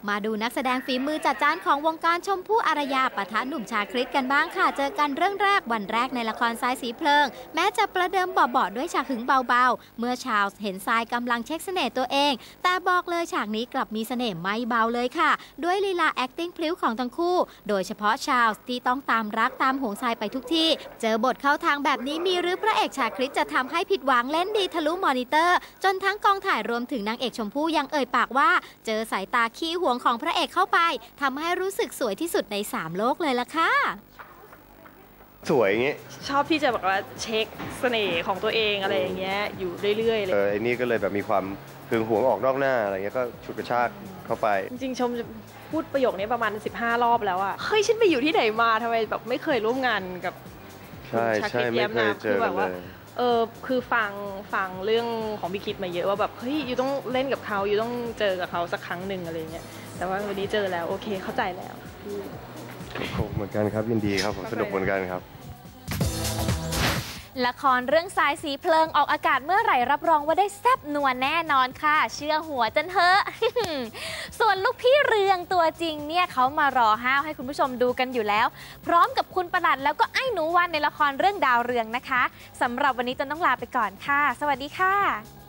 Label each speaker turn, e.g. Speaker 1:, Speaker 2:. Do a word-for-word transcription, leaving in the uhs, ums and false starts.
Speaker 1: มาดูนักแสดงฝีมือจัดจ้านของวงการชมพู่อารยาปะทะหนุ่มชาคริสกันบ้างค่ะเจอกันเรื่องแรกวันแรกในละครทรายสีเพลิงแม้จะประเดิมเบาๆด้วยฉากหึงเบาๆเมื่อชาวเห็นทรายกำลังเช็คเสน่ห์ตัวเองแต่บอกเลยฉากนี้กลับมีเสน่ห์ไม่เบาเลยค่ะด้วยลีลา acting พลิ้วของทั้งคู่โดยเฉพาะชาวที่ต้องตามรักตามหวงทรายไปทุกที่เจอบทเข้าทางแบบนี้มีหรือพระเอกชาคริสจะทำให้ผิดหวังเล่นดีทะลุมอนิเตอร์จนทั้งกองถ่ายรวมถึงนางเอกชมพู่ยังเอ่ยปากว่าเจอสายตาขี้หวงของพระเอกเข้าไปทำให้รู้สึกสวยที่สุดในสามโลกเลยล่ะค่ะ
Speaker 2: สวยอย่างเงี้ย
Speaker 3: ชอบที่จะแบบว่าเช็คเสน่ห์ของตัวเองอะไรอย่างเงี้ยอยู่เรื่อยๆเลย
Speaker 2: เออไอ้นี่ก็เลยแบบมีความหึงหวงออกนอกหน้าอะไรเงี้ยก็ฉุดกระชากเข้าไป
Speaker 3: จริงๆชมจะพูดประโยคนี้ประมาณสิบห้ารอบแล้วอะเฮ้ยฉันไปอยู่ที่ไหนมาทำไมแบบไม่เคยร่วมงานกับ
Speaker 2: ใช่ใช่ไม่เคยเจอกันเลย
Speaker 3: เออคือฟังฟังเรื่องของพี่คิดมาเยอะว่าแบบเฮ้ยอยู่ต้องเล่นกับเขาอยู่ต้องเจอกับเขาสักครั้งหนึ่งอะไรเงี้ยแต่ว่าวันนี้เจอแล้วโอเคเข้าใจแล้ว
Speaker 2: เหมือนกันครับยินดีครับผมสนุกเหมือนกันครับ
Speaker 4: ละครเรื่องทรายสีเพลิงออกอากาศเมื่อไหร่รับรองว่าได้แซ่บนัวแน่นอนค่ะเชื่อหัวจนเถอะ ส่วนลูกพี่เรืองตัวจริงเนี่ยเขามารอห้าวให้คุณผู้ชมดูกันอยู่แล้วพร้อมกับคุณประหลัดแล้วก็ไอ้หนูวันในละครเรื่องดาวเรืองนะคะสำหรับวันนี้จนต้องลาไปก่อนค่ะสวัสดีค่ะ